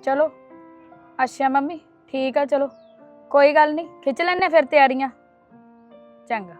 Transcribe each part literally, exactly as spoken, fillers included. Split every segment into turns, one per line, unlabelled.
चलो अच्छा मम्मी ठीक है, चलो कोई गल नहीं, खिच लैने फिर तैयारियां। चंगा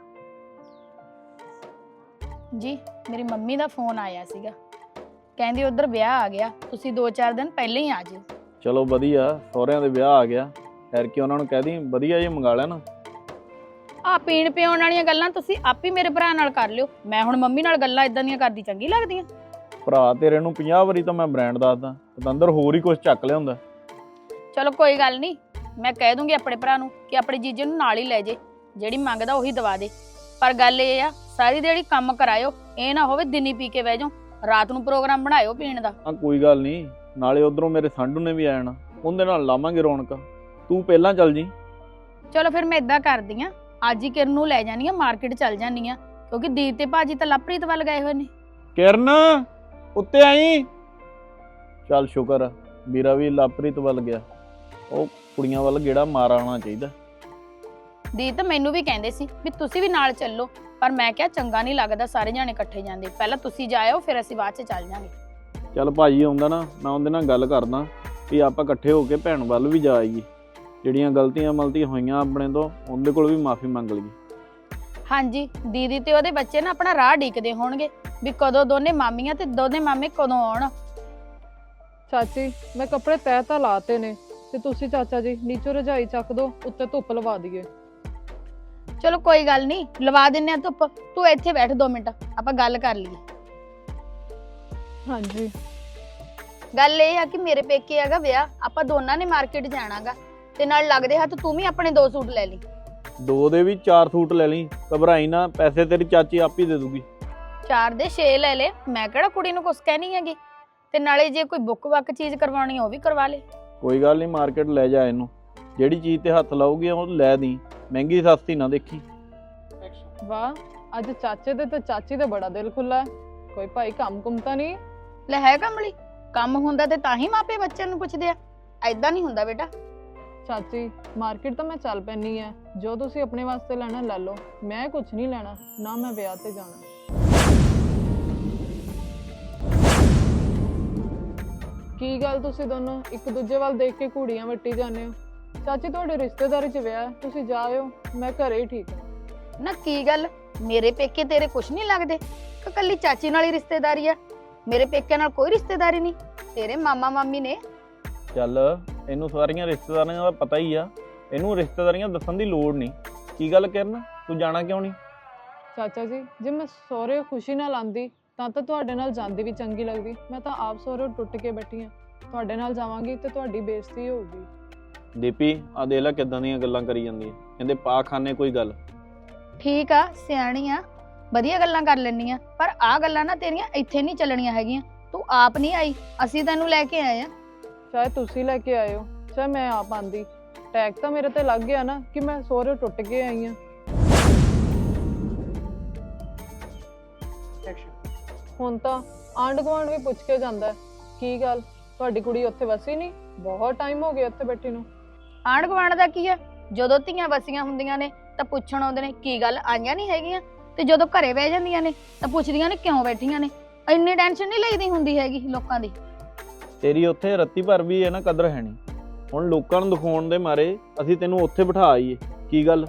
जी। मेरी मम्मी का फोन आया सीगा, कहंदी उधर ब्याह आ गया, तुसी दो चार दिन पहले ही आ जाओ।
चलो वधिया, सहुरिਆਂ ਦੇ ਵਿਆਹ आ गया, खैर कि ਉਹਨਾਂ ਨੂੰ ਕਹਿ ਦੀ ਵਧੀਆ ਜਿਹਾ ਮੰਗਾ ਲੈਣਾ।
आ पीण पिउण वालियां गल्लां तुसी आप ही मेरे भरा नाल कर लियो, मैं हुण मम्मी नाल गल्लां इदां दियां करदी चंगी लगदियां?
ਭਰਾ ਤੇਰੇ ਨੂੰ ਪੰਜਾਹ ਵਾਰੀ ਤਾਂ ਮੈਂ ਬ੍ਰਾਂਡ ਦੱਸਦਾ, ਪਤੰਦਰ ਹੋਰ ਹੀ ਕੁਝ ਚੱਕ ਲਿਆਉਂਦਾ।
चलो कोई गल नहीं, मैं कह दूंगी अपने भरा नूं कि अपने जीजे नूं नाल ही ले जे, ਜਿਹੜੀ ਮੰਗਦਾ ਉਹੀ ਦਵਾ ਦੇ। ਪਰ ਗੱਲ ਇਹ ਆ ਸਾਰੀ ਦਿਹਾੜੀ ਕੰਮ ਕਰਾਇਓ, ਇਹ ਨਾ ਹੋਵੇ ਦਿਨੀ ਪੀ ਕੇ ਬਹਿ ਜਾਓ, ਰਾਤ ਨੂੰ ਪ੍ਰੋਗਰਾਮ ਬਣਾਇਓ ਪੀਣ ਦਾ।
ਆ ਕੋਈ ਗੱਲ ਨਹੀਂ, ਨਾਲੇ ਉਧਰੋਂ ਮੇਰੇ ਸੰਡੂ ਨੇ ਵੀ ਆ ਜਾਣਾ, ਉਹਦੇ ਨਾਲ ਲਾਵਾਂਗੇ ਰੌਣਕ। ਤੂੰ ਪਹਿਲਾਂ ਚੱਲ ਜੀ।
ਚਲੋ ਫਿਰ ਮੈਂ ਇਦਾਂ ਕਰਦੀ ਆ, ਅੱਜ ਹੀ ਕਿਰਨ ਨੂੰ ਲੈ ਜਾਨੀ ਆ, ਮਾਰਕੀਟ ਚੱਲ ਜਾਨੀ ਆ, ਕਿਉਂਕਿ ਦੀਪ ਤੇ ਭਾਜੀ ਤਾਂ ਲਵਪ੍ਰੀਤ ਵੱਲ ਗਏ ਹੋਏ ਨੇ।
ਕਿਰਨ ਉੱਤੇ ਆਈ। ਚੱਲ ਸ਼ੁਕਰ ਆ, ਵੀਰਾ ਵੀ ਲਵਪ੍ਰੀਤ ਵੱਲ ਗਿਆ, ਉਹ ਕੁੜੀਆਂ ਵੱਲ ਗੇੜਾ ਮਾਰ ਆਉਣਾ ਚਾਹੀਦਾ।
ਦੀਪ ਤਾਂ ਮੈਨੂੰ ਵੀ ਕਹਿੰਦੇ ਸੀ ਵੀ ਤੁਸੀਂ ਵੀ ਨਾਲ ਚੱਲੋ, ਪਰ ਮੈਂ ਕਿਹਾ ਚੰਗਾ ਨਹੀਂ ਲੱਗਦਾ ਸਾਰੇ ਜਾਣੇ ਇਕੱਠੇ ਜਾਂਦੇ, ਪਹਿਲਾਂ ਤੁਸੀਂ ਜਾਇਓ ਫਿਰ ਅਸੀਂ ਬਾਅਦ ਚ ਚੱਲ ਜਾਾਂਗੇ।
ਚੱਲ ਭਾਜੀ ਆਉਂਦਾ ਨਾ, ਮੈਂ ਉਹਦੇ ਨਾਲ ਗੱਲ ਕਰਦਾ ਵੀ ਆਪਾਂ ਇਕੱਠੇ ਹੋ ਕੇ ਭੈਣ ਵੱਲ ਵੀ ਜਾ ਆਈਏ, ਜਿਹੜੀਆਂ ਗਲਤੀਆਂ ਮਲਤੀਆਂ ਹੋਈਆਂ ਆਪਣੇ ਤੋਂ ਉਹਦੇ ਕੋਲ ਵੀ ਮਾਫੀ ਮੰਗ ਲਈਏ।
ਹਾਂਜੀ, ਦੀਦੀ ਤੇ ਉਹਦੇ ਬੱਚੇ ਨਾ ਆਪਣਾ ਰਾਹ ਢੀਕਦੇ ਹੋਣਗੇ ਵੀ ਕਦੋਂ ਦੋਨੇ ਮਾਮੀਆਂ ਤੇ ਦੋਨੇ ਮਾਮੇ ਕਦੋਂ ਆਉਣ।
ਚਾਚੀ ਮੈਂ ਕੱਪੜੇ ਤੈਅ ਤਾਂ ਲਾਤੇ ਨੇ, ਤੇ ਤੁਸੀਂ ਚਾਚਾ ਜੀ ਨੀਚੋਂ ਰਜਾਈ ਚੱਕ ਦੋ, ਉੱਤੇ ਧੁੱਪ ਲਵਾ ਦਈਏ।
ਚਲੋ ਕੋਈ ਗੱਲ ਨਹੀਂ, ਲਵਾ ਦਿੰਨੇ ਆ ਧੁੱਪ, ਤੂੰ ਇੱਥੇ ਬੈਠ ਦੋ ਮਿੰਟ, ਆਪਾਂ ਗੱਲ ਕਰ ਲਈਏ।
ਹਾਂਜੀ
ਗੱਲ ਇਹ ਆ ਕਿ ਮੇਰੇ ਪੇਕੇ ਹੈਗਾ ਵਿਆਹ, ਆਪਾਂ ਦੋਨਾਂ ਨੇ ਮਾਰਕੀਟ ਜਾਣਾਗਾ, ਤੇ ਨਾਲ ਲੱਗਦੇ ਹੱਥ ਤੂੰ ਵੀ ਆਪਣੇ ਦੋ ਸੂਟ ਲੈ ਲਈ।
ਦੋ ਦੇ ਵੀ ਚਾਰ ਸੂਟ ਲੈ ਲਈ, ਘਬਰਾਈ ਨਾ, ਪੈਸੇ ਤੇਰੀ ਚਾਚੀ ਆਪ ਹੀ ਦੇ ਦੂਗੀ।
ਚਾਰ ਦੇ ਛੇ ਲੈ ਲੈ, ਮੈਂ ਕਿਹੜਾ ਕੁੜੀ ਨੂੰ ਕੁਛ ਕਹਿਣੀ ਹੈਗੀ, ਤੇ ਨਾਲੇ ਜੇ ਕੋਈ ਬੁੱਕ ਬੱਕ ਚੀਜ਼ ਕਰਵਾਉਣੀ ਉਹ ਵੀ ਕਰਵਾ ਲੈ।
ਕੋਈ ਗੱਲ ਨਹੀਂ, ਮਾਰਕੀਟ ਲੈ ਜਾ ਇਹਨੂੰ, ਜਿਹੜੀ ਚੀਜ਼ ਤੇ ਹੱਥ ਲਾਊਗੀ ਉਹ ਲੈ ਦੀ, ਮਹਿੰਗੀ ਸਸਤੀ ਨਾ ਦੇਖੀ।
ਵਾਹ, ਅੱਜ ਚਾਚੇ ਦੇ ਤੇ ਚਾਚੀ ਦਾ ਬੜਾ ਦਿਲ ਖੁੱਲਾ ਹੈ, ਕੋਈ ਭਾਈ ਕੰਮ ਕੁਮ ਤਾਂ ਨਹੀਂ?
ਲੈ ਹੈ ਕਮਲੀ, ਕੰਮ ਹੁੰਦਾ ਤੇ ਤਾਂ ਹੀ ਮਾਪੇ ਬੱਚਿਆਂ ਨੂੰ ਪੁੱਛਦੇ ਆ, ਐਦਾਂ ਨਹੀਂ ਹੁੰਦਾ ਬੇਟਾ।
ਚਾਚੀ ਮਾਰਕੀਟ ਤਾਂ ਮੈਂ ਚੱਲ ਪੈਣੀ ਹੈ, ਜੋ ਤੁਸੀਂ ਆਪਣੇ ਵਾਸਤੇ ਲੈਣਾ ਲੈ ਲਓ, ਮੈਂ ਕੁਝ ਨਹੀਂ ਲੈਣਾ, ਨਾ ਮੈਂ ਵਿਆਹ ਤੇ ਜਾਣਾ। ਕੀ ਗੱਲ ਤੁਸੀਂ ਦੋਨੋਂ ਇੱਕ ਦੂਜੇ ਵੱਲ ਦੇਖ ਕੇ ਘੂੜੀਆਂ ਵੱਟੀ ਜਾਂਦੇ ਹੋ? ਚਾਚੀ ਤੁਹਾਡੇ ਰਿਸ਼ਤੇਦਾਰੀ 'ਚ ਵਿਆਹ, ਤੁਸੀਂ ਜਾਇਓ, ਮੈਂ ਘਰੇ ਹੀ ਠੀਕ ਹਾਂ।
ਨਾ ਕੀ ਗੱਲ, ਮੇਰੇ ਪੇਕੇ ਤੇਰੇ ਕੁਛ ਨਹੀਂ ਲੱਗਦੇ ਕਿ ਕੱਲੀ ਚਾਚੀ ਨਾਲ ਹੀ ਰਿਸ਼ਤੇਦਾਰੀ ਆ? ਮੇਰੇ ਪੇਕੇ ਨਾਲ ਕੋਈ ਰਿਸ਼ਤੇਦਾਰੀ ਨਹੀਂ, ਤੇਰੇ ਮਾਮਾ ਮਾਮੀ ਨੇ।
ਚੱਲ ਇਹਨੂੰ ਸਾਰੀਆਂ ਰਿਸ਼ਤੇਦਾਰੀਆਂ ਦਾ ਪਤਾ ਹੀ ਆ, ਇਹਨੂੰ ਰਿਸ਼ਤੇਦਾਰੀਆਂ ਦੱਸਣ ਦੀ ਲੋੜ ਨਹੀਂ। ਕੀ ਗੱਲ ਕਰਨ, ਤੂੰ ਜਾਣਾ ਕਿਉਂ ਨਹੀਂ?
ਚਾਚਾ ਜੀ ਜੇ ਮੈਂ ਸਹੁਰੇ ਖੁਸ਼ੀ ਨਾਲ ਆਂਦੀ ਤਾਂ ਤਾਂ ਤੁਹਾਡੇ ਨਾਲ ਜਾਂਦੀ ਵੀ ਚੰਗੀ ਲੱਗਦੀ, ਮੈਂ ਤਾਂ ਆਪ ਸਹੁਰੇ ਟੁੱਟ ਕੇ ਬੈਠੀ ਹਾਂ, ਤੁਹਾਡੇ ਨਾਲ ਜਾਵਾਂਗੀ ਤੇ ਤੁਹਾਡੀ ਬੇਇੱਜ਼ਤੀ ਹੋਊਗੀ।
ਦੀਪੀ ਆ ਦੇਖ ਲੈ ਕਿੱਦਾਂ ਦੀਆਂ ਗੱਲਾਂ ਕਰੀ ਜਾਂਦੀ ਹੈ, ਕਹਿੰਦੇ ਪਾ ਖਾਨੇ ਕੋਈ ਗੱਲ।
ਠੀਕ ਆ, ਸਿਆਣੀ ਆ, ਵਧੀਆ ਗੱਲਾਂ ਕਰ ਲੈਣੀ ਆ, ਪਰ ਆ ਗੱਲਾਂ ਨਾ ਤੇਰੀਆਂ ਇੱਥੇ ਨਹੀਂ ਚੱਲਣੀਆਂ ਹੈਗੀਆਂ। ਤੂੰ ਆਪ ਨਹੀਂ ਆਈ, ਅਸੀਂ ਤੈਨੂੰ ਲੈ ਕੇ ਆਏ ਆ।
ਚਾਹੇ ਤੁਸੀਂ ਲੈ ਕੇ ਆਏ ਹੋ, ਚਾਹੇ ਮੈਂ ਆਪ ਆਂਦੀ, ਟੈਗ ਤਾਂ ਮੇਰੇ ਤੇ ਲੱਗ ਗਿਆ ਨਾ ਕਿ ਮੈਂ ਸਹੁਰੇ ਟੁੱਟ ਕੇ ਆਈ ਹਾਂ। ਹੁਣ ਤਾਂ ਆਂਢ ਗੁਆਂਢ ਵੀ ਪੁੱਛ ਕੇ ਜਾਂਦਾ, ਕੀ ਗੱਲ ਤੁਹਾਡੀ ਕੁੜੀ ਉੱਥੇ ਵਸੀ ਨਹੀਂ? ਬਹੁਤ ਟਾਈਮ ਹੋ ਗਿਆ ਉੱਥੇ ਬੈਠੀ ਨੂੰ।
ਆਂਢ ਗੁਆਂਢ ਦਾ ਕੀ ਆ, ਜਦੋਂ ਧੀਆਂ ਵਸੀਆਂ ਹੁੰਦੀਆਂ ਨੇ ਤਾਂ ਪੁੱਛਣ ਆਉਂਦੇ ਨੇ ਕੀ ਗੱਲ ਆਈਆਂ ਨਹੀਂ ਹੈਗੀਆਂ, ਤੇ ਜਦੋਂ ਘਰੇ ਬਹਿ ਜਾਂਦੀਆਂ ਨੇ ਤਾਂ ਪੁੱਛਦੀਆਂ ਨੇ ਕਿਉਂ ਬੈਠੀਆਂ ਨੇ। ਇੰਨੀ ਟੈਨਸ਼ਨ ਨਹੀਂ ਲਈਦੀ ਹੁੰਦੀ ਹੈਗੀ ਲੋਕਾਂ ਦੀ।
ਤੇਰੀ ਉੱਥੇ ਰੱਤੀ ਭਰ ਵੀ ਹੈ ਨਾ ਕਦਰ ਹੈ ਨਹੀਂ, ਹੁਣ ਲੋਕਾਂ ਨੂੰ ਦਿਖਾਉਣ ਦੇ ਮਾਰੇ ਅਸੀਂ ਤੈਨੂੰ ਉੱਥੇ ਬਿਠਾ ਆਈਏ। ਕੀ ਗੱਲ?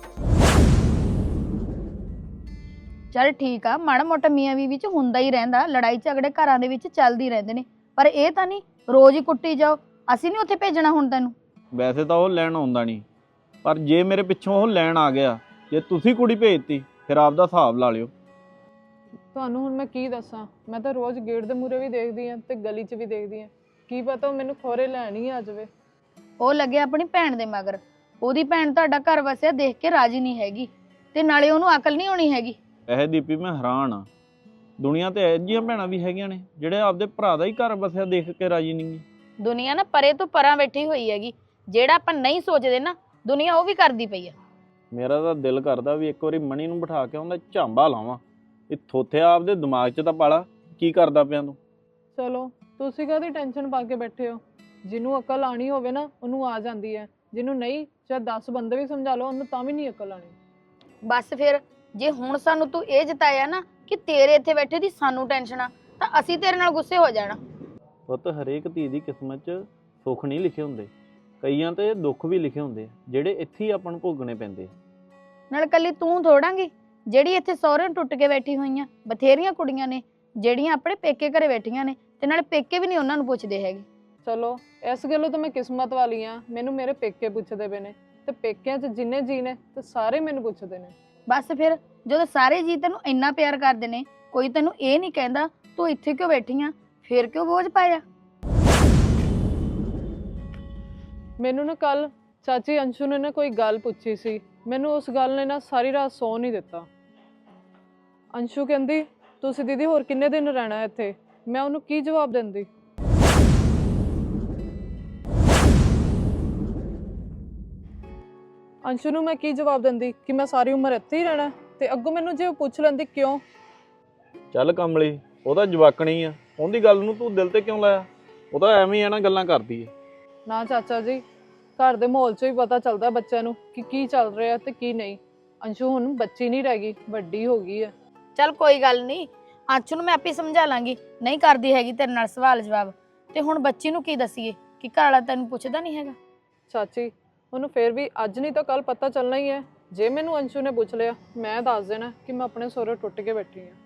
ਚੱਲ ਠੀਕ ਆ, ਮਾੜਾ ਮੋਟਾ ਮੀਆਂ ਬੀਵੀ ਚ ਹੁੰਦਾ ਹੀ ਰਹਿੰਦਾ, ਲੜਾਈ ਝਗੜੇ ਘਰਾਂ ਦੇ ਵਿੱਚ ਚੱਲਦੀ ਰਹਿੰਦੇ ਨੇ, ਪਰ ਇਹ ਤਾਂ ਨਹੀਂ ਰੋਜ਼ ਹੀ ਕੁੱਟੀ ਜਾਓ। ਅਸੀਂ ਨਹੀਂ ਉੱਥੇ ਭੇਜਣਾ ਹੁਣ ਤੈਨੂੰ। ਵੈਸੇ
ਤਾਂ ਉਹ ਲੈਣ ਆਉਂਦਾ ਨਹੀਂ, ਪਰ ਜੇ ਮੇਰੇ ਪਿੱਛੋਂ ਉਹ ਲੈਣ ਆ ਗਿਆ, ਜੇ ਤੁਸੀਂ ਕੁੜੀ ਭੇਜਤੀ ਫਿਰ ਆਪਦਾ ਹਿਸਾਬ ਲਾ ਲਿਓ।
ਤੁਹਾਨੂੰ ਹੁਣ ਮੈਂ ਕੀ ਦੱਸਾਂ, ਮੈਂ ਤਾਂ ਰੋਜ਼ ਗੇਟ ਦੇ ਮੂਹਰੇ ਵੀ ਦੇਖਦੀ ਹਾਂ ਤੇ ਗਲੀ 'ਚ ਵੀ ਦੇਖਦੀ ਹਾਂ, ਕੀ ਪਤਾ ਉਹ ਮੈਨੂੰ ਖੋਰੇ ਲੈਣ ਹੀ ਆ ਜਾਵੇ।
ਉਹ ਲੱਗਿਆ ਆਪਣੀ ਭੈਣ ਦੇ ਮਗਰ, ਉਹਦੀ ਭੈਣ ਤੁਹਾਡਾ ਘਰ ਵਸਿਆ ਦੇਖ ਕੇ ਰਾਜੀ ਨਹੀਂ ਹੈਗੀ, ਤੇ ਨਾਲੇ ਉਹਨੂੰ ਅਕਲ ਨਹੀਂ ਹੋਣੀ ਹੈਗੀ।
ਇਹ ਦੀਪੀ ਮੈਂ ਹੈਰਾਨ ਆ, ਦੁਨੀਆ ਤੇ ਇਹੋ ਜਿਹੀਆਂ ਭੈਣਾਂ ਵੀ ਹੈਗੀਆਂ ਨੇ ਜਿਹੜੇ ਆਪਦੇ ਭਰਾ ਦਾ ਹੀ ਘਰ ਵਸਿਆ ਦੇਖ ਕੇ ਰਾਜੀ ਨਹੀਂ।
ਦੁਨੀਆ ਨਾ ਪਰੇ ਤੋਂ ਪਰਾਂ ਬੈਠੀ ਹੋਈ ਹੈਗੀ, ਜਿਹੜਾ ਆਪਾਂ ਨਹੀਂ ਸੋਚਦੇ ਨਾ ਦੁਨੀਆ ਉਹ ਵੀ ਕਰਦੀ ਪਈ ਆ।
ਮੇਰਾ ਤਾਂ ਦਿਲ ਕਰਦਾ ਵੀ ਇੱਕ ਵਾਰੀ ਮਣੀ ਨੂੰ ਬਿਠਾ ਕੇ ਉਹਦਾ ਝਾਂਬਾ ਲਾਵਾਂ, ਇਹ ਥੋਥਿਆ ਆਪਦੇ ਦਿਮਾਗ 'ਚ ਤਾਂ ਪਾਲਾ, ਕੀ ਕਰਦਾ ਪਿਆ ਤੂੰ?
ਚਲੋ ਤੁਸੀਂ ਕਾਹਦੀ ਟੈਨਸ਼ਨ ਪਾ ਕੇ ਬੈਠੇ ਹੋ, ਜਿਹਨੂੰ ਅਕਲ ਆਣੀ ਹੋਵੇ ਨਾ ਉਹਨੂੰ ਆ ਜਾਂਦੀ ਹੈ, ਜਿਹਨੂੰ ਨਹੀਂ ਚਾਹੇ ਦਸ ਬੰਦੇ ਵੀ ਸਮਝਾ ਲਓ ਉਹਨੂੰ ਤਾਂ ਵੀ ਨਹੀਂ ਅਕਲ ਆਣੀ।
ਬਸ ਫਿਰ ਜੇ ਹੁਣ ਸਾਨੂੰ ਤੂੰ ਇਹ ਜਤਾਇਆ ਨਾ ਕਿ ਤੇਰੇ ਇੱਥੇ ਬੈਠੇ ਦੀ ਸਾਨੂੰ ਟੈਨਸ਼ਨ ਆ, ਤਾਂ ਅਸੀਂ ਤੇਰੇ ਨਾਲ ਗੁੱਸੇ ਹੋ ਜਾਣਾ।
ਪੁੱਤ ਹਰੇਕ ਧੀ ਦੀ ਕਿਸਮਤ 'ਚ ਸੁੱਖ ਨਹੀਂ ਲਿਖੇ ਹੁੰਦੇ, ਕਈਆਂ ਤੇ ਦੁੱਖ ਵੀ ਲਿਖੇ ਹੁੰਦੇ ਆ ਜਿਹੜੇ ਇੱਥੇ ਹੀ ਆਪਾਂ ਨੂੰ ਭੋਗਣੇ ਪੈਂਦੇ ਆ।
ਨਾਲ ਕੱਲੀ ਤੂੰ ਥੋੜਾਂਗੀ ਜਿਹੜੀ ਇੱਥੇ ਸਹੁਰੇ ਨੂੰ ਟੁੱਟ ਕੇ ਬੈਠੀ ਹੋਈਆਂ, ਬਥੇਰੀਆਂ ਕੁੜੀਆਂ ਨੇ ਜਿਹੜੀਆਂ ਆਪਣੇ ਪੇਕੇ ਘਰੇ ਬੈਠੀਆਂ ਨੇ ਤੇ ਨਾਲੇ ਪੇਕੇ ਵੀ ਨਹੀਂ ਉਹਨਾਂ ਨੂੰ ਪੁੱਛਦੇ ਹੈਗੇ।
ਚਲੋ ਇਸ ਗੱਲੋਂ ਤਾਂ ਮੈਂ ਕਿਸਮਤ ਵਾਲੀ ਆ, ਮੈਨੂੰ ਮੇਰੇ ਪੇਕੇ ਪੁੱਛਦੇ ਪਏ ਨੇ ਤੇ ਪੇਕਿਆਂ 'ਚ ਜਿੰਨੇ ਜੀ ਨੇ ਤੇ ਸਾਰੇ ਮੈਨੂੰ ਪੁੱਛਦੇ ਨੇ।
ਬਸ ਫਿਰ ਜਦੋਂ ਸਾਰੇ ਜੀ ਤੈਨੂੰ ਇੰਨਾ ਪਿਆਰ ਕਰਦੇ ਨੇ, ਕੋਈ ਤੈਨੂੰ ਇਹ ਨਹੀਂ ਕਹਿੰਦਾ ਤੂੰ ਇੱਥੇ ਕਿਉਂ ਬੈਠੀ ਆ, ਫਿਰ ਕਿਉਂ ਬੋਝ ਪਾਇਆ?
ਮੈਨੂੰ ਨਾ ਕੱਲ ਚਾਚੀ ਅੰਸ਼ੂ ਨੇ ਨਾ ਕੋਈ ਗੱਲ ਪੁੱਛੀ ਸੀ, ਮੈਨੂੰ ਉਸ ਗੱਲ ਨੇ ਨਾ ਸਾਰੀ ਰਾਤ ਸੌ ਨਹੀਂ ਦਿੱਤਾ। ਅੰਸ਼ੂ ਕਹਿੰਦੀ ਤੁਸੀਂ ਦੀਦੀ ਹੋਰ ਕਿੰਨੇ ਦਿਨ ਰਹਿਣਾ ਇੱਥੇ? ਮੈਂ ਉਹਨੂੰ ਕੀ ਜਵਾਬ ਦਿੰਦੀ? ਅੰਸ਼ੂ ਨੂੰ ਮੈਂ ਕੀ ਜਵਾਬ ਦਿੰਦੀ ਕਿ ਮੈਂ ਸਾਰੀ ਉਮਰ ਇੱਥੇ ਹੀ ਰਹਿਣਾ? ਤੇ ਅੱਗੋਂ ਮੈਨੂੰ ਜੇ ਉਹ ਪੁੱਛ ਲੈਂਦੀ ਕਿਉਂ?
ਚੱਲ ਕਮਲੀ, ਉਹਦਾ ਜਵਾਕਣੀ ਆ, ਉਹਦੀ ਗੱਲ ਨੂੰ ਤੂੰ ਦਿਲ ਤੇ ਕਿਉਂ ਲਾਇਆ? ਉਹ ਤਾਂ ਐਵੇਂ ਹੀ ਆ ਨਾ, ਗੱਲਾਂ ਕਰਦੀ ਹੈ।
ਨਾ ਚਾਚਾ ਜੀ, ਘਰ ਦੇ ਮਾਹੌਲ 'ਚੋਂ ਹੀ ਪਤਾ ਚੱਲਦਾ ਬੱਚਿਆਂ ਨੂੰ ਕਿ ਕੀ ਚੱਲ ਰਿਹਾ ਤੇ ਕੀ ਨਹੀਂ। ਅੰਸ਼ੂ ਹੁਣ ਬੱਚੀ ਨਹੀਂ ਰਹਿ ਗਈ, ਵੱਡੀ ਹੋ ਗਈ ਹੈ।
ਚੱਲ ਕੋਈ ਗੱਲ ਨਹੀਂ, ਅੰਸ਼ੂ ਨੂੰ ਮੈਂ ਆਪੇ ਸਮਝਾ ਲਾਂਗੀ, ਨਹੀਂ ਕਰਦੀ ਹੈਗੀ ਤੇਰੇ ਨਾਲ ਸਵਾਲ ਜਵਾਬ। ਤੇ ਹੁਣ ਬੱਚੀ ਨੂੰ ਕੀ ਦਸੀਏ ਕਿ ਘਰ ਵਾਲਾ ਤੈਨੂੰ ਪੁੱਛਦਾ ਨਹੀਂ ਹੈਗਾ?
ਚਾਚੀ ਉਹਨੂੰ ਫੇਰ ਵੀ ਅੱਜ ਨਹੀਂ ਤਾਂ ਕੱਲ ਪਤਾ ਚੱਲਣਾ ਹੀ ਹੈ। ਜੇ ਮੈਨੂੰ ਅੰਸ਼ੂ ਨੇ ਪੁੱਛ ਲਿਆ, ਮੈਂ ਦੱਸ ਦੇਣਾ ਕਿ ਮੈਂ ਆਪਣੇ ਸਹੁਰੇ ਟੁੱਟ ਕੇ ਬੈਠੀ ਹਾਂ।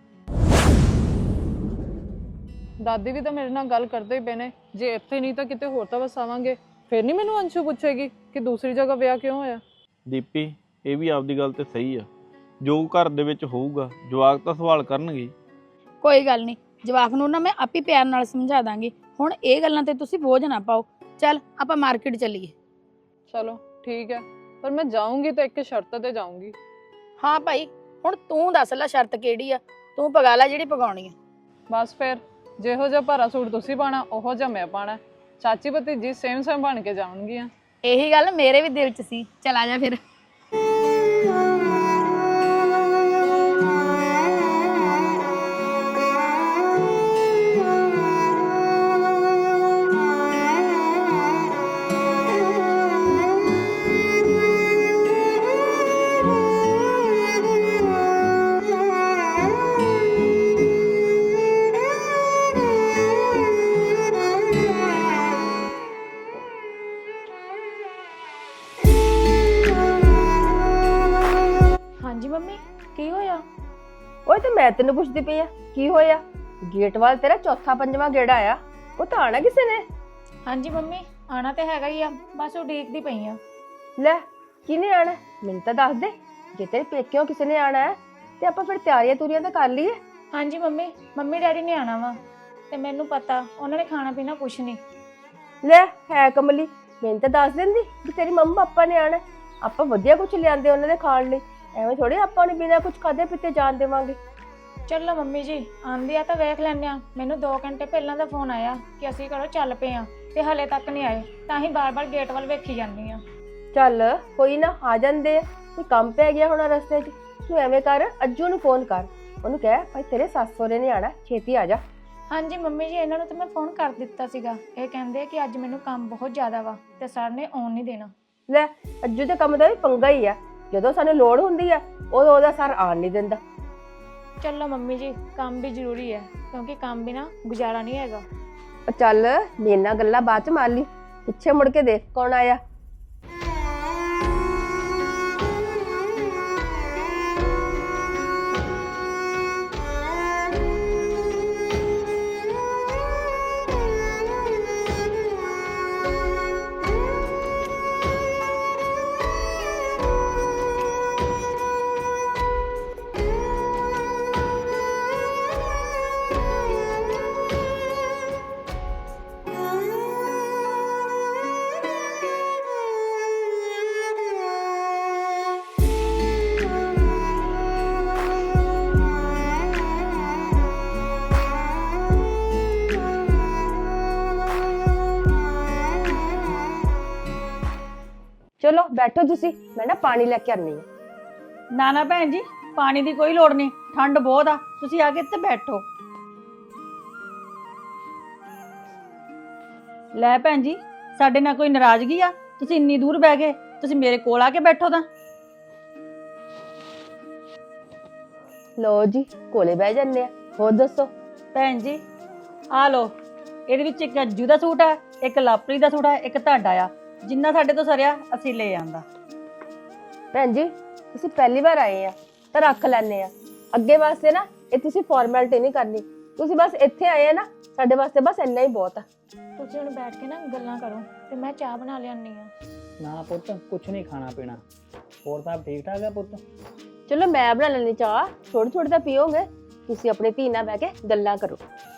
ਦਾਦੀ ਵੀ ਤਾਂ ਮੇਰੇ ਨਾਲ ਗੱਲ ਕਰਦੇ ਹੀ ਪਏ ਨੇ, ਜੇ ਇੱਥੇ ਨਹੀਂ ਤਾਂ ਕਿਤੇ ਹੋਰ ਤਾਂ ਵਸਾਵਾਂਗੇ, ਫਿਰ ਨਹੀਂ ਮੈਨੂੰ ਅੰਸ਼ੂ ਪੁੱਛੇਗੀ ਕਿ ਦੂਸਰੀ ਜਗ੍ਹਾ ਵਿਆਹ ਕਿਉਂ ਹੋਇਆ।
ਦੀਪੀ, ਇਹ ਵੀ ਆਪਦੀ ਗੱਲ ਤੇ ਸਹੀ ਆ, ਜੋ ਘਰ ਦੇ ਵਿੱਚ ਹੋਊਗਾ ਜਵਾਕ ਤਾਂ ਸਵਾਲ ਕਰਨਗੇ।
ਕੋਈ ਗੱਲ ਨਹੀਂ, ਜਵਾਕ ਨੂੰ ਨਾ ਮੈਂ ਆਪੇ ਪਿਆਰ ਨਾਲ ਸਮਝਾ ਦਾਂਗੀ। ਹੁਣ ਇਹ ਗੱਲਾਂ ਤੇ ਤੁਸੀਂ ਬੋਝ ਨਾ ਪਾਓ। ਚੱਲ ਆਪਾਂ ਮਾਰਕੀਟ ਚੱਲੀਏ।
ਚਲੋ ਠੀਕ ਹੈ, ਪਰ ਮੈਂ ਜਾਊਂਗੀ ਤਾਂ ਇੱਕ ਸ਼ਰਤ ਤੇ ਜਾਊਂਗੀ।
ਹਾਂ ਭਾਈ, ਹੁਣ ਤੂੰ ਦੱਸ ਲੈ ਸ਼ਰਤ ਕਿਹੜੀ ਆ, ਤੂੰ ਪਗਾ ਲੈ ਜਿਹੜੀ ਪਗਾਉਣੀ ਆ।
ਬਸ ਫਿਰ ਜਿਹੋ ਜਿਹਾ ਭਾਰਾ ਸੂਟ ਤੁਸੀਂ ਪਾਣਾ ਉਹੋ ਜਿਹਾ ਮੈਂ ਪਾਣਾ। ਚਾਚੀ ਭਤੀਜੀ ਸੇਮ ਸੇਮ ਬਣ ਕੇ ਜਾਣਗੀਆਂ।
ਇਹੀ ਗੱਲ ਮੇਰੇ ਵੀ ਦਿਲ 'ਚ ਸੀ। ਚੱਲ ਆ ਜਾ ਫਿਰ। ਹਾਂਜੀ ਮੰਮੀ, ਕੀ ਹੋਇਆ?
ਓਏ ਤੇ ਮੈਂ ਤੈਨੂੰ ਪੁੱਛਦੀ ਪਈ ਆ ਕੀ ਹੋਇਆ? ਗੇਟ ਵੱਲ ਤੇਰਾ ਚੌਥਾ ਪੰਜਵਾਂ ਗੇੜਾ ਆ, ਉਹ ਤਾਂ ਆਣਾ ਕਿਸੇ ਨੇ।
ਹਾਂਜੀ ਮੰਮੀ, ਆਣਾ ਤੇ ਹੈਗਾ ਹੀ ਆ, ਬਸ ਉਡੀਕਦੀ ਪਈ ਆ।
ਲੈ ਕਿਹਨੇ ਆਣਾ ਮੈਨੂੰ ਤਾਂ ਦੱਸ ਦੇ। ਜੇ ਤੇਰੇ ਪੇਕਿਓਂ ਕਿਸੇ ਨੇ ਆਣਾ ਹੈ ਤੇ ਆਪਾਂ ਫਿਰ ਤਿਆਰੀਆਂ ਤੁਰੀਆਂ ਤਾਂ ਕਰ ਲਈਏ।
ਹਾਂਜੀ ਮੰਮੀ, ਮੰਮੀ ਡੈਡੀ ਨੇ ਆਣਾ ਵਾ ਤੇ ਮੈਨੂੰ ਪਤਾ ਉਹਨਾਂ ਨੇ ਖਾਣਾ ਪੀਣਾ ਕੁਛ ਨਹੀਂ।
ਲੈ ਹੈ ਕਮਲੀ, ਮੈਨੂੰ ਤਾਂ ਦੱਸ ਦਿੰਦੀ ਕਿ ਤੇਰੀ ਮੰਮਾ ਪਾਪਾ ਨੇ ਆਣਾ, ਆਪਾਂ ਵਧੀਆ ਕੁਝ ਲਿਆਂਦੇ ਉਹਨਾਂ ਦੇ ਖਾਣ ਲਈ। ਐਵੇਂ ਥੋੜੀ ਆਪਾਂ ਨੂੰ ਬਿਨਾਂ ਕੁਝ ਖਾਦੇ ਪੀਤੇ ਜਾਣ ਦੇਵਾਂਗੇ।
ਚਲੋ ਮੰਮੀ ਜੀ, ਆਂਦੀ ਆ ਤਾਂ ਵੇਖ ਲੈਂਦੇ ਆ। ਮੈਨੂੰ ਦੋ ਘੰਟੇ ਪਹਿਲਾਂ ਦਾ ਫੋਨ ਆਇਆ ਕਿ ਅਸੀਂ ਘਰੋਂ ਚੱਲ ਪਏ ਆ ਤੇ ਹਲੇ ਤੱਕ ਨਹੀਂ ਆਏ, ਤਾਂ ਹੀ ਬਾਰ-ਬਾਰ ਗੇਟ ਵੱਲ ਵੇਖੀ ਜਾਂਦੀ ਆ।
ਚੱਲ ਕੋਈ ਨਾ, ਆ ਜਾਂਦੇ ਆ। ਕੋਈ ਕੰਮ ਪੈ ਗਿਆ ਹੋਣਾ ਰਸਤੇ 'ਚ। ਤੂੰ ਐਵੇਂ ਕਰ, ਅੱਜੂ ਨੂੰ ਫੋਨ ਕਰ, ਉਹਨੂੰ ਕਹਿ ਭਾਈ ਤੇਰੇ ਸੱਸ ਸਹੁਰੇ ਨੇ ਆਣਾ, ਛੇਤੀ ਆ ਜਾ।
ਹਾਂਜੀ ਮੰਮੀ ਜੀ, ਇਹਨਾਂ ਨੂੰ ਤਾਂ ਮੈਂ ਫੋਨ ਕਰ ਦਿੱਤਾ ਸੀਗਾ। ਇਹ ਕਹਿੰਦੇ ਕਿ ਅੱਜ ਮੈਨੂੰ ਕੰਮ ਬਹੁਤ ਜ਼ਿਆਦਾ ਵਾ ਤੇ ਸਰ ਨੇ ਆਉਣ ਨਹੀਂ ਦੇਣਾ।
ਲੈ ਅੱਜੂ ਦੇ ਕੰਮ ਦਾ ਵੀ ਪੰਗਾ ਹੀ ਆ, ਜਦੋਂ ਸਾਨੂੰ ਲੋੜ ਹੁੰਦੀ ਆ ਉਦੋਂ ਉਹਦਾ ਸਰ ਆਣ ਨਹੀਂ ਦਿੰਦਾ।
ਚਲੋ ਮੰਮੀ ਜੀ, ਕੰਮ ਵੀ ਜ਼ਰੂਰੀ ਹੈ ਕਿਉਂਕਿ ਕੰਮ ਬਿਨਾ ਗੁਜ਼ਾਰਾ ਨਹੀਂ ਹੈਗਾ।
ਚੱਲ ਮੇਰੇ ਨਾਲ ਗੱਲਾਂ ਬਾਅਦ ਚ ਮਾਰ ਲਈ, ਪਿੱਛੇ ਮੁੜ ਕੇ ਦੇਖ ਕੌਣ ਆਇਆ। ਚਲੋ ਬੈਠੋ ਤੁਸੀਂ, ਮੈਂ ਨਾ ਪਾਣੀ ਲੈ ਕੇ ਆਨੀ ਆ।
ਨਾ ਨਾ ਭੈਣ ਜੀ, ਪਾਣੀ ਦੀ ਕੋਈ ਲੋੜ ਨਹੀਂ, ਠੰਡ ਬਹੁਤ ਆ, ਤੁਸੀਂ ਆ ਕੇ ਇੱਥੇ ਬੈਠੋ। ਲੈ ਭੈਣ ਜੀ, ਸਾਡੇ ਨਾਲ ਕੋਈ ਨਾਰਾਜ਼ਗੀ ਆ? ਤੁਸੀਂ ਇੰਨੀ ਦੂਰ ਬਹਿ ਗਏ, ਤੁਸੀਂ ਮੇਰੇ ਕੋਲ ਆ ਕੇ ਬੈਠੋ ਤਾਂ।
ਲੋ ਜੀ ਕੋਲੇ ਬਹਿ ਜੰਨੇ ਆ। ਹੋਰ ਦੱਸੋ
ਭੈਣ ਜੀ, ਆ ਲੋ
ਇਹਦੇ ਵਿੱਚ ਇੱਕ ਅੱਜੂ ਦਾ ਸੂਟ ਆ, ਇੱਕ ਲਾਪਰੀ ਦਾ ਸੂਟ ਆ, ਇੱਕ ਤੁਹਾਡਾ ਆ। ਜਿੰਨਾ ਸਾਡੇ ਤੋਂ ਸਰਿਆ ਅਸੀਂ ਲੈ ਆਂਦਾ।
ਭੈਣ ਜੀ ਤੁਸੀਂ ਪਹਿਲੀ ਵਾਰ ਆਏ ਆ ਤਾਂ ਰੱਖ ਲੈਣੇ ਆ, ਅੱਗੇ ਵਾਸਤੇ ਨਾ ਇਹ ਤੁਸੀਂ ਫਾਰਮੈਲਿਟੀ ਨਹੀਂ ਕਰਨੀ। ਤੁਸੀਂ ਬਸ ਇੱਥੇ ਆਏ ਆ ਨਾ, ਸਾਡੇ ਵਾਸਤੇ ਬਸ ਇੰਨਾ ਹੀ ਬਹੁਤ ਆ।
ਤੁਸੀਂ ਹੁਣ ਬੈਠ ਕੇ ਨਾ ਗੱਲਾਂ ਕਰੋ ਤੇ ਮੈਂ ਚਾਹ ਬਣਾ ਲਿਆਨੀ ਆ।
ਨਾ ਪੁੱਤ ਕੁਛ ਨਹੀਂ ਖਾਣਾ ਪੀਣਾ। ਹੋਰ ਸਭ ਠੀਕ ਠਾਕ ਆ ਪੁੱਤ?
ਚਲੋ ਮੈਂ ਬਣਾ ਲੈਣੀ ਚਾਹ, ਥੋੜੀ ਥੋੜੀ ਤਾਂ ਪੀਓਗੇ। ਤੁਸੀਂ ਆਪਣੀ ਧੀ ਨਾਲ ਬਹਿ ਕੇ ਗੱਲਾਂ ਕਰੋ।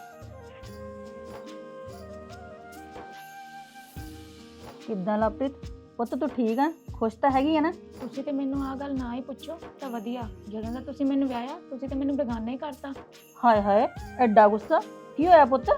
ਕਿੱਦਾਂ ਲਵਪ੍ਰੀਤ ਪੁੱਤ ਤੂੰ ਠੀਕ ਆ? ਖੁਸ਼ ਤਾਂ ਹੈਗੀ ਆ ਨਾ?
ਤੁਸੀਂ ਤੇ ਮੈਨੂੰ ਆਹ ਗੱਲ ਨਾ ਹੀ ਪੁੱਛੋ ਤਾਂ ਵਧੀਆ। ਜਦੋਂ ਦਾ ਤੁਸੀਂ ਮੈਨੂੰ ਵਿਆਹਿਆ ਤੁਸੀਂ ਤੇ ਮੈਨੂੰ ਬੇਗਾਨਾ ਹੀ ਕਰਤਾ।
ਹਾਏ ਹਾਏ ਐਡਾ ਗੁੱਸਾ ਕੀ ਹੋਇਆ ਪੁੱਤ?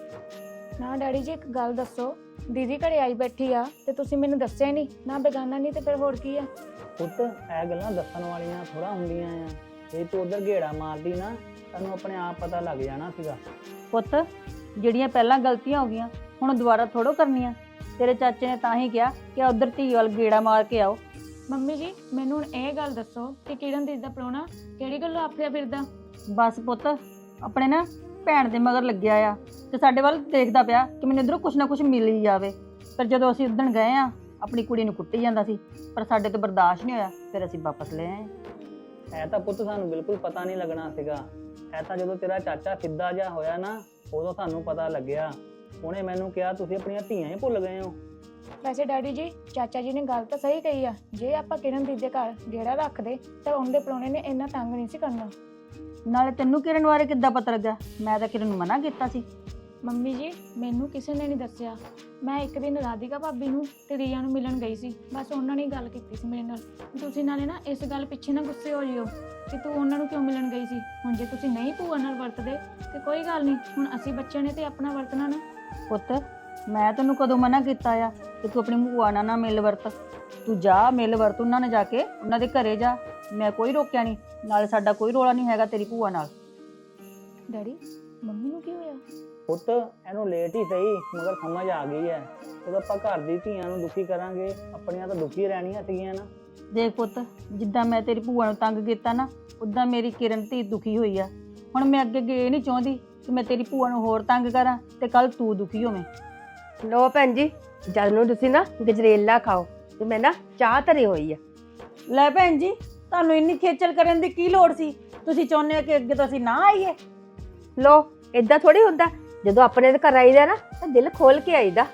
ਨਾ ਡੈਡੀ ਜੀ ਇੱਕ ਗੱਲ ਦੱਸੋ, ਦੀਦੀ ਘਰੇ ਆਈ ਬੈਠੀ ਆ ਤੇ ਤੁਸੀਂ ਮੈਨੂੰ ਦੱਸਿਆ ਨਹੀਂ, ਨਾ ਬੇਗਾਨਾ ਨਹੀਂ ਤੇ ਫਿਰ ਹੋਰ ਕੀ ਆ?
ਪੁੱਤ ਇਹ ਗੱਲਾਂ ਦੱਸਣ ਵਾਲੀਆਂ ਥੋੜਾ ਹੁੰਦੀਆਂ ਆ। ਜੇ ਤੂੰ ਉਧਰ ਘੇੜਾ ਮਾਰਦੀ ਨਾ ਤੈਨੂੰ ਆਪਣੇ ਆਪ ਪਤਾ ਲੱਗ ਜਾਣਾ ਸੀਗਾ।
ਪੁੱਤ ਜਿਹੜੀਆਂ ਪਹਿਲਾਂ ਗਲਤੀਆਂ ਹੋ ਗਈਆਂ ਹੁਣ ਦੁਬਾਰਾ ਥੋੜੋ ਕਰਨੀਆਂ। ਤੇਰੇ ਚਾਚੇ ਨੇ ਤਾਂ ਹੀ ਕਿਹਾ ਕਿ ਉਧਰ ਧੀ ਵੱਲ ਗੇੜਾ ਮਾਰ ਕੇ ਆਓ।
ਮੰਮੀ ਜੀ ਮੈਨੂੰ ਹੁਣ ਇਹ ਗੱਲ ਦੱਸੋ ਕਿ ਕਿਰਨ ਦੀਦੀ ਦਾ ਪ੍ਰਾਹੁਣਾ ਕਿਹੜੀ ਗੱਲੋਂ ਆਫਰਿਆ ਫਿਰਦਾ?
ਬਸ ਪੁੱਤ ਆਪਣੇ ਨਾ ਭੈਣ ਦੇ ਮਗਰ ਲੱਗਿਆ ਆ ਤੇ ਸਾਡੇ ਵੱਲ ਦੇਖਦਾ ਪਿਆ ਕਿ ਮੈਨੂੰ ਇਧਰੋਂ ਕੁਛ ਨਾ ਕੁਛ ਮਿਲ ਹੀ ਜਾਵੇ। ਪਰ ਜਦੋਂ ਅਸੀਂ ਉਦਣ ਗਏ ਆ ਆਪਣੀ ਕੁੜੀ ਨੂੰ ਕੁੱਟੀ ਜਾਂਦਾ ਸੀ, ਪਰ ਸਾਡੇ ਤੋਂ ਬਰਦਾਸ਼ਤ ਨਹੀਂ ਹੋਇਆ, ਫਿਰ ਅਸੀਂ ਵਾਪਸ ਲੈ ਆਏ।
ਇਹ ਤਾਂ ਪੁੱਤ ਸਾਨੂੰ ਬਿਲਕੁਲ ਪਤਾ ਨਹੀਂ ਲੱਗਣਾ ਸੀਗਾ। ਇਹ ਤਾਂ ਜਦੋਂ ਤੇਰਾ ਚਾਚਾ ਸਿੱਧਾ ਜਿਹਾ ਹੋਇਆ ਨਾ ਉਦੋਂ ਸਾਨੂੰ ਪਤਾ ਲੱਗਿਆ। ਉਹਨੇ ਮੈਨੂੰ ਕਿਹਾ ਤੁਸੀਂ ਆਪਣੀਆਂ ਧੀਆਂ ਹੀ ਭੁੱਲ ਗਏ ਹੋ।
ਵੈਸੇ ਡੈਡੀ ਜੀ ਚਾਚਾ ਜੀ ਨੇ ਗੱਲ ਤਾਂ ਸਹੀ ਕਹੀ ਆ। ਜੇ ਆਪਾਂ ਕਿਰਨ ਦੀਦੀ ਦੇ ਘਰ ਗੇੜਾ ਰੱਖਦੇ ਤਾਂ ਉਹਦੇ ਪ੍ਰਾਹੁਣੇ ਨੇ ਇੰਨਾ ਤੰਗ ਨਹੀਂ ਸੀ ਕਰਨਾ।
ਨਾਲੇ ਤੈਨੂੰ ਕਿਰਨ ਬਾਰੇ ਕਿੱਦਾਂ ਪਤਾ ਲੱਗਾ? ਮੈਂ ਤਾਂ ਕਿਰਨ ਨੂੰ ਮਨਾ ਕੀਤਾ ਸੀ।
ਮੰਮੀ ਜੀ ਮੈਨੂੰ ਕਿਸੇ ਨੇ ਨਹੀਂ ਦੱਸਿਆ। ਮੈਂ ਇੱਕ ਦਿਨ ਰਾਧਿਕਾ ਭਾਬੀ ਨੂੰ ਤੇ ਰੀਆ ਨੂੰ ਮਿਲਣ ਗਈ ਸੀ, ਬਸ ਉਹਨਾਂ ਨੇ ਹੀ ਗੱਲ ਕੀਤੀ ਸੀ ਮੇਰੇ ਨਾਲ। ਤੁਸੀਂ ਨਾਲੇ ਨਾ ਇਸ ਗੱਲ ਪਿੱਛੇ ਨਾ ਗੁੱਸੇ ਹੋ ਜਿਓ ਕਿ ਤੂੰ ਉਹਨਾਂ ਨੂੰ ਕਿਉਂ ਮਿਲਣ ਗਈ ਸੀ। ਹੁਣ ਜੇ ਤੁਸੀਂ ਨਹੀਂ ਭੂਆ ਨਾਲ ਵਰਤਦੇ ਤੇ ਕੋਈ ਗੱਲ ਨਹੀਂ, ਹੁਣ ਅਸੀਂ ਬੱਚਿਆਂ ਨੇ ਤੇ ਆਪਣਾ ਵਰਤਣਾ ਨਾ।
ਪੁੱਤ ਮੈਂ ਤੈਨੂੰ ਕਦੋਂ ਮਨਾ ਕੀਤਾ ਆ ਕਿ ਤੂੰ ਆਪਣੀ ਭੂਆ ਨਾਲ ਨਾ ਮਿਲ ਵਰਤ? ਤੂੰ ਜਾ ਮਿਲ ਵਰਤ ਉਹਨਾਂ ਨੇ, ਜਾ ਕੇ ਉਹਨਾਂ ਦੇ ਘਰੇ ਜਾ। ਮੈਂ ਕੋਈ ਰੋਕਿਆ ਨਹੀਂ, ਨਾਲੇ ਸਾਡਾ ਕੋਈ ਰੋਲਾ ਨਹੀਂ ਹੈਗਾ ਤੇਰੀ ਭੂਆ ਨਾਲ।
ਡੈਡੀ ਮੰਮੀ ਨੂੰ ਕੀ ਹੋਇਆ?
ਪੁੱਤ ਇਹਨੂੰ ਲੇਟ ਹੀ ਸਹੀ ਮਗਰ ਸਮਝ ਆ ਗਈ ਹੈ। ਜਦੋਂ ਆਪਾਂ ਘਰ ਦੀ ਧੀਆਂ ਨੂੰ ਦੁਖੀ ਕਰਾਂਗੇ ਆਪਣੀਆਂ ਤਾਂ ਦੁਖੀ ਰਹਿਣੀਆਂ ਸੀਗੀਆਂ ਨਾ।
ਦੇਖ ਪੁੱਤ ਜਿੱਦਾਂ ਮੈਂ ਤੇਰੀ ਭੂਆ ਨੂੰ ਤੰਗ ਕੀਤਾ ਨਾ ਉਦਾਂ ਮੇਰੀ ਕਿਰਨ ਧੀ ਦੁਖੀ ਹੋਈ ਆ। ਹੁਣ ਮੈਂ ਅੱਗੇ ਅੱਗੇ ਇਹ ਨਹੀਂ ਚਾਹੁੰਦੀ ਕਿ ਮੈਂ ਤੇਰੀ ਭੂਆ ਨੂੰ ਹੋਰ ਤੰਗ ਕਰਾਂ ਤੇ ਕੱਲ ਤੂੰ ਦੁਖੀ ਹੋਵੇਂ।
ਲੋ ਭੈਣ ਜੀ ਜਦ ਨੂੰ ਤੁਸੀਂ ਨਾ ਗਜਰੇਲਾ ਖਾਓ ਤੇ ਮੈਂ ਨਾ ਚਾਹ ਧਰੀ ਹੋਈ ਆ।
ਲੈ ਭੈਣ ਜੀ ਤੁਹਾਨੂੰ ਇੰਨੀ ਖੇਚਲ ਕਰਨ ਦੀ ਕੀ ਲੋੜ ਸੀ? ਤੁਸੀਂ ਚਾਹੁੰਦੇ ਹੋ ਕਿ ਅੱਗੇ ਤੋਂ ਅਸੀਂ ਨਾ ਆਈਏ?
ਲੋ ਏਦਾਂ ਥੋੜੀ ਹੁੰਦਾ, ਜਦੋਂ ਆਪਣੇ ਦੇ ਘਰ ਆਈਦਾ ਨਾ ਤਾਂ ਦਿਲ ਖੋਲ ਕੇ ਆਈਦਾ।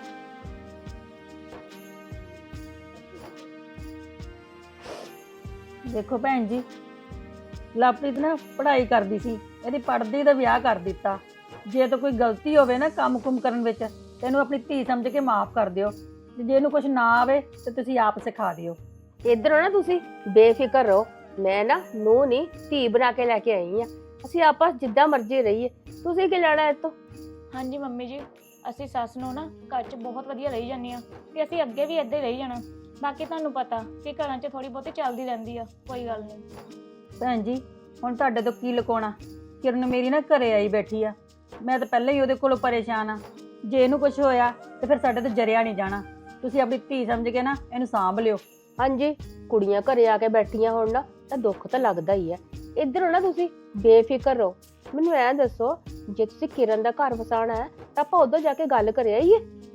ਦੇਖੋ ਭੈਣ ਜੀ ਲਵਪ੍ਰੀਤ ਨਾ ਪੜ੍ਹਾਈ ਕਰਦੀ ਸੀ, ਇਹਦੀ ਪੜ੍ਹਦੀ ਦਾ ਵਿਆਹ ਕਰ ਦਿੱਤਾ। ਜੇ ਤਾਂ ਕੋਈ ਗਲਤੀ ਹੋਵੇ ਨਾ ਕੰਮ ਕੁਮ ਕਰਨ ਵਿੱਚ ਤੈਨੂੰ ਆਪਣੀ ਧੀ ਸਮਝ ਕੇ ਮਾਫ ਕਰ ਦਿਓ। ਤੇ ਜੇ ਇਹਨੂੰ ਕੁਝ ਨਾ ਆਵੇ ਤੇ ਤੁਸੀਂ ਆਪ ਸਿਖਾ ਦਿਓ।
ਇੱਧਰੋਂ ਨਾ ਤੁਸੀਂ ਬੇਫਿਕਰ ਰਹੋ। ਮੈਂ ਨਾ ਨੂੰ ਨਹੀਂ ਧੀ ਬਣਾ ਕੇ ਲੈ ਕੇ ਆਈ ਆ। ਅਸੀਂ ਆਪਸ ਜਿੱਦਾਂ ਮਰਜ਼ੀ ਰਹੀਏ, ਤੁਸੀਂ ਕੀ ਲੈਣਾ ਇਹ ਤੋਂ?
ਹਾਂਜੀ ਮੰਮੀ ਜੀ ਅਸੀਂ ਸੱਸ ਨੂੰ ਨਾ ਘਰ 'ਚ ਬਹੁਤ ਵਧੀਆ ਰਹੀ ਜਾਂਦੇ ਆ ਤੇ ਅਸੀਂ ਅੱਗੇ ਵੀ ਇੱਦਾਂ ਹੀ ਰਹੀ ਜਾਣਾ। ਬਾਕੀ ਤੁਹਾਨੂੰ ਪਤਾ ਕਿ ਘਰਾਂ 'ਚ ਥੋੜੀ ਬਹੁਤੀ ਚੱਲਦੀ ਰਹਿੰਦੀ ਆ, ਕੋਈ ਗੱਲ ਨਹੀਂ।
ਭੈਣ ਜੀ ਹੁਣ ਤੁਹਾਡੇ ਤੋਂ ਕੀ ਲੁਕਾਉਣਾ? ਕਿਰਨ ਮੇਰੀ ਨਾ ਘਰੇ ਆਈ ਬੈਠੀ ਆ, ਮੈਂ ਤਾਂ ਪਹਿਲਾਂ ਹੀ ਉਹਦੇ ਕੋਲੋਂ ਪਰੇਸ਼ਾਨ ਆ। ਜੇ ਇਹਨੂੰ ਕੁਝ ਹੋਇਆ ਤੇ ਫਿਰ ਸਾਡੇ ਤੋਂ ਜਰਿਆ ਨਹੀਂ ਜਾਣਾ। ਤੁਸੀਂ ਆਪਣੀ ਧੀ ਸਮਝ ਕੇ ਨਾ ਇਹਨੂੰ ਸਾਂਭ ਲਿਓ।
ਹਾਂਜੀ ਕੁੜੀਆਂ ਘਰੇ ਆ ਕੇ ਬੈਠੀਆਂ ਹੋਣ ਨਾ ਤਾਂ ਦੁੱਖ ਤਾਂ ਲੱਗਦਾ ਹੀ ਹੈ। ਇੱਧਰੋਂ ਨਾ ਤੁਸੀਂ ਬੇਫਿਕਰ ਰਹੋ। ਮੈਨੂੰ ਐਂ ਦੱਸੋ ਜੇ ਤੁਸੀਂ ਕਿਰਨ ਦਾ ਘਰ ਵਸਾਉਣਾ ਹੈ ਤਾਂ ਆਪਾਂ ਉਧਰ ਜਾ ਕੇ ਗੱਲ ਕਰ ਆਈਏ।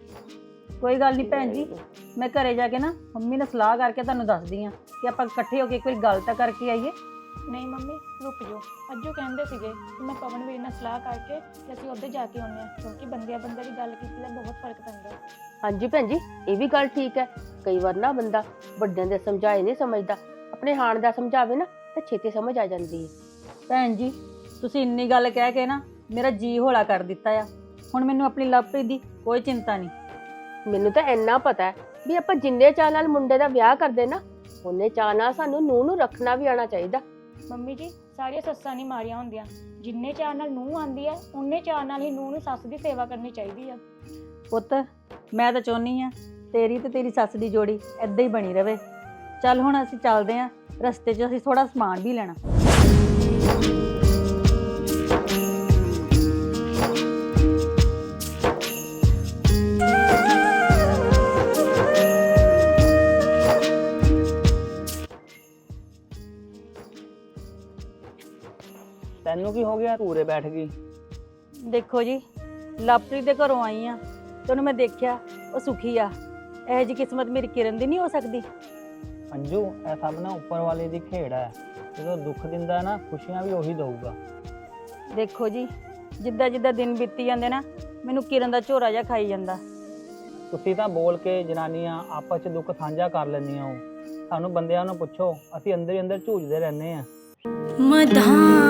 ਕੋਈ ਗੱਲ ਨਹੀਂ ਭੈਣ ਜੀ, ਮੈਂ ਘਰੇ ਜਾ ਕੇ ਨਾ ਮੰਮੀ ਨਾਲ ਸਲਾਹ ਕਰਕੇ ਤੁਹਾਨੂੰ ਦੱਸਦੀ ਆ ਕਿ ਆਪਾਂ ਇਕੱਠੇ ਹੋ ਕੇ ਕੋਈ ਗੱਲ ਤਾਂ ਕਰਕੇ ਆਈਏ।
ਨਹੀਂ ਮੰਮੀ ਰੁਕ ਜਾਓ, ਅੱਜੋ ਕਹਿੰਦੇ ਸੀਗੇ ਕਿ ਮੈਂ ਪਵਨ ਵੀਰ ਨਾਲ ਸਲਾਹ ਕਰਕੇ ਤੇ ਅਸੀਂ ਉੱਧਰ ਜਾ ਕੇ ਆਉਂਦੇ ਹਾਂ, ਕਿਉਂਕਿ ਬੰਦਿਆਂ ਬੰਦੇ ਦੀ ਗੱਲ ਕੀਤੀ ਦਾ ਬਹੁਤ ਫਰਕ ਪੈਂਦਾ।
ਹਾਂਜੀ ਭੈਣ ਜੀ ਇਹ ਵੀ ਗੱਲ ਠੀਕ ਹੈ। ਕਈ ਵਾਰ ਨਾ ਬੰਦਾ ਵੱਡਿਆਂ ਦੇ ਸਮਝਾਏ ਨਹੀਂ ਸਮਝਦਾ, ਆਪਣੇ ਹਾਣ ਦਾ ਸਮਝਾਵੇ ਨਾ ਤਾਂ ਛੇਤੀ ਸਮਝ ਆ ਜਾਂਦੀ ਹੈ।
ਭੈਣ ਜੀ ਤੁਸੀਂ ਇੰਨੀ ਗੱਲ ਕਹਿ ਕੇ ਨਾ ਮੇਰਾ ਜੀ ਹੌਲਾ ਕਰ ਦਿੱਤਾ ਆ। ਹੁਣ ਮੈਨੂੰ ਆਪਣੀ ਲਵਪ੍ਰੀਤ ਦੀ ਕੋਈ ਚਿੰਤਾ ਨਹੀਂ।
ਮੈਨੂੰ ਤਾਂ ਇੰਨਾ ਪਤਾ ਹੈ ਵੀ ਆਪਾਂ ਜਿੰਨੇ ਚਾਅ ਨਾਲ ਮੁੰਡੇ ਦਾ ਵਿਆਹ ਕਰਦੇ ਨਾ ਉਹਨੇ ਚਾਅ ਨਾਲ ਸਾਨੂੰ ਨੂੰਹ ਨੂੰ ਰੱਖਣਾ ਵੀ ਆਉਣਾ ਚਾਹੀਦਾ।
ਮੰਮੀ ਜੀ ਸਾਰੀਆਂ ਸੱਸਾਂ ਨਹੀਂ ਮਾਰੀਆਂ ਹੁੰਦੀਆਂ। ਜਿੰਨੇ ਚਾਅ ਨਾਲ ਨੂੰਹ ਆਉਂਦੀ ਹੈ ਉਨੇ ਚਾਅ ਨਾਲ ਹੀ ਨੂੰਹ ਨੂੰ ਸੱਸ ਦੀ ਸੇਵਾ ਕਰਨੀ ਚਾਹੀਦੀ ਆ।
ਪੁੱਤ ਮੈਂ ਤਾਂ ਚਾਹੁੰਦੀ ਆ ਤੇਰੀ ਤੇ ਤੇਰੀ ਸੱਸ ਦੀ ਜੋੜੀ ਏਦਾਂ ਹੀ ਬਣੀ ਰਵੇ। ਚੱਲ ਹੁਣ ਅਸੀਂ ਚੱਲਦੇ ਆਂ, ਰਸਤੇ 'ਚ ਅਸੀਂ ਥੋੜਾ ਸਮਾਨ ਵੀ ਲੈਣਾ।
ਤੈਨੂੰ ਕੀ ਹੋ ਗਿਆ? ਪੂਰੇ ਬੈਠ ਗਈ।
ਦੇਖੋ ਜੀ ਲਾਪਰੀ ਦੇ ਘਰੋਂ ਆਈ ਆ ਤੇ ਉਹਨੂੰ ਮੈਂ ਦੇਖਿਆ ਉਹ ਸੁਖੀ ਆ। ਇਹੋ ਜਿਹੀ ਕਿਸਮਤ ਮੇਰੀ ਕਿਰਨ ਦੀ ਨਹੀਂ ਹੋ ਸਕਦੀ।
ਅੰਜੂ ਇਹ ਸਭ ਨਾ ਉੱਪਰ ਵਾਲੇ ਦੀ ਖੇਡ ਹੈ। ਜਦੋਂ ਦੁੱਖ ਦਿੰਦਾ ਨਾ ਖੁਸ਼ੀਆਂ ਵੀ ਉਹੀ ਦਊਗਾ।
ਦੇਖੋ ਜੀ, ਜਿੱਦਾਂ ਜਿੱਦਾਂ ਦਿਨ ਬੀਤੀ ਜਾਂਦੇ ਨਾ ਮੈਨੂੰ ਕਿਰਨ ਦਾ ਝੋਰਾ ਜਿਹਾ ਖਾਈ ਜਾਂਦਾ।
ਤੁਸੀਂ ਤਾਂ ਬੋਲ ਕੇ ਜਨਾਨੀਆਂ ਆਪਸ 'ਚ ਦੁੱਖ ਸਾਂਝਾ ਕਰ ਲੈਂਦੀਆਂ ਹੋ। ਸਾਨੂੰ ਬੰਦਿਆਂ ਨੂੰ ਪੁੱਛੋ, ਅਸੀਂ ਅੰਦਰ ਹੀ ਅੰਦਰ ਝੂਝਦੇ ਰਹਿੰਦੇ ਆ।
ਮਧਾਂ